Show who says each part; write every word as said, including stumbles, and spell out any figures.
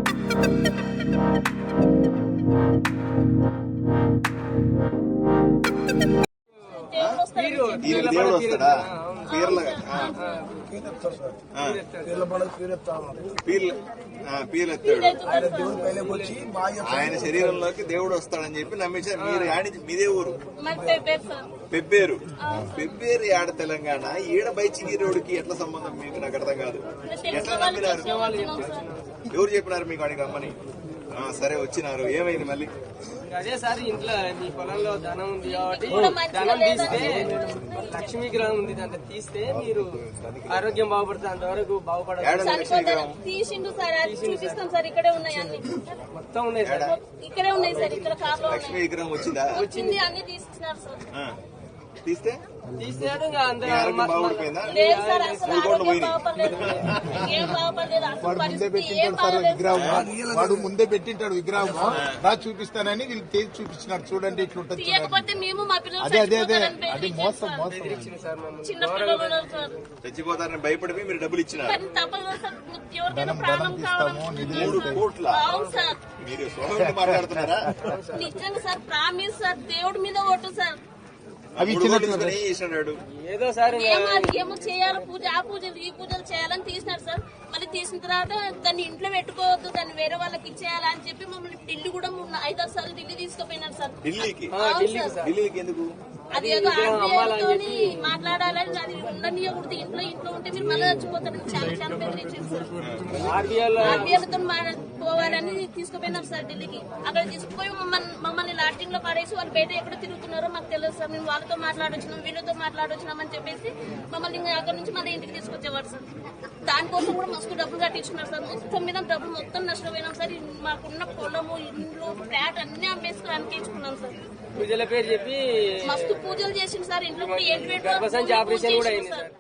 Speaker 1: దేవుడు వస్తాడా? పీర్ల పీర్లు ఆయన శరీరంలోకి దేవుడు వస్తాడని చెప్పి నమ్మించారు. మీరు ఆడి మీదే ఊరు పెబ్బేరు. పెబ్బేరు ఆడ తెలంగాణ. ఈడ బైచిగి రోడ్డుకి ఎట్లా సంబంధం మీకు? నాకు అర్థం కాదు. ఎట్లా నమ్మినారు? ఎవరు చెప్పినారు మీకు అడిగి రమ్మని? సరే వచ్చినారు, ఏమైంది మళ్ళీ?
Speaker 2: అదే సార్, ఇంట్లో మీ పొలంలో ధనం ఉంది కాబట్టి ధనం తీస్తే లక్ష్మీ గ్రహం ఉంది, దాంట్లో తీస్తే మీరు ఆరోగ్యం బాగుపడుతుంది, అంతవరకు బాగుపడాలి.
Speaker 3: తీసిండు సార్, చూపిస్తాం సార్. ఇక్కడే ఉన్నాయి అన్ని,
Speaker 2: మొత్తం ఉన్నాయి సార్.
Speaker 3: ఇక్కడే ఉన్నాయి సార్. ఇక్కడ కార్లో
Speaker 1: లక్ష్మీ విగ్రహం వచ్చిందా?
Speaker 3: వచ్చింది, అన్ని తీసుకున్నారు సార్.
Speaker 1: తీస్తే
Speaker 2: తీసాడు
Speaker 4: వాడు ముందే పెట్టింటాడు విగ్రహం, రా చూపిస్తానని వీళ్ళు తేజ్ చూపించినారు. చూడండి ఇట్లుంటది. అదే అదే అదే అది మోసం మోసం.
Speaker 1: చచ్చిపోతారని భయపడి మీరు డబ్బులు ఇచ్చినారు.
Speaker 4: ధనం ధనం తీస్తాము, నిధులు
Speaker 1: కోట్ల మీరు సోదరుడు మాట్లాడుతున్నారా?
Speaker 3: నిజంగా సార్, ప్రామిస్ సార్, దేవుడి మీద ఓటు సార్.
Speaker 4: అవి
Speaker 2: ఏదో సార్
Speaker 3: ఏమో చేయాలి, పూజ ఆ పూజలు ఈ పూజలు చేయాలని తీసినారు సార్. మళ్ళీ తీసిన తర్వాత దాన్ని ఇంట్లో పెట్టుకోవద్దు, దాన్ని వేరే వాళ్ళకి ఇచ్చేయాలి అని చెప్పి మమ్మల్ని ఢిల్లీ కూడా ఐదారు సార్లు ఢిల్లీ తీసుకుపోయినారు సార్.
Speaker 1: ఢిల్లీకి ఎందుకు?
Speaker 3: అది ఏదో ఆర్బీఐతో మాట్లాడాలని, అది ఉండనియకూడదు. ఇంట్లో ఇంట్లో ఉంటే మీరు మళ్ళీ చచ్చిపోతారని చాలా చాలా బెదిరించారు సార్. ఆర్బీఐలతో పోవాలని తీసుకుపోయినారు సార్ ఢిల్లీకి. అక్కడ తీసుకుపోయి మమ్మల్ని మమ్మల్ని లాటింగ్ లో పడేసి వాళ్ళు బయట ఎక్కడ తిరుగుతున్నారో మాకు తెలియదు సార్. మేము వాళ్ళతో మాట్లాడొచ్చినాం, వీళ్ళతో మాట్లాడొచ్చినాం అని చెప్పేసి మమ్మల్ని ఇంకా అక్కడ నుంచి మళ్ళీ ఇంటికి తీసుకొచ్చేవారు సార్. దానికోసం కూడా మస్తు డబ్బులు కట్టించుకున్నారు సార్. మొత్తం మీద డబ్బులు మొత్తం నష్టపోయినాం సార్. మాకున్న పొలము, ఇండ్లు, ఫ్లాట్ అన్ని అమ్మేసుకుని అనిపించుకున్నాం సార్.
Speaker 2: పూజల పేరు చెప్పి
Speaker 3: మస్తు పూజలు చేసింది సార్. ఇంట్లో కూడా ఏంటి
Speaker 2: ఆపరేషన్ కూడా అయింది సార్.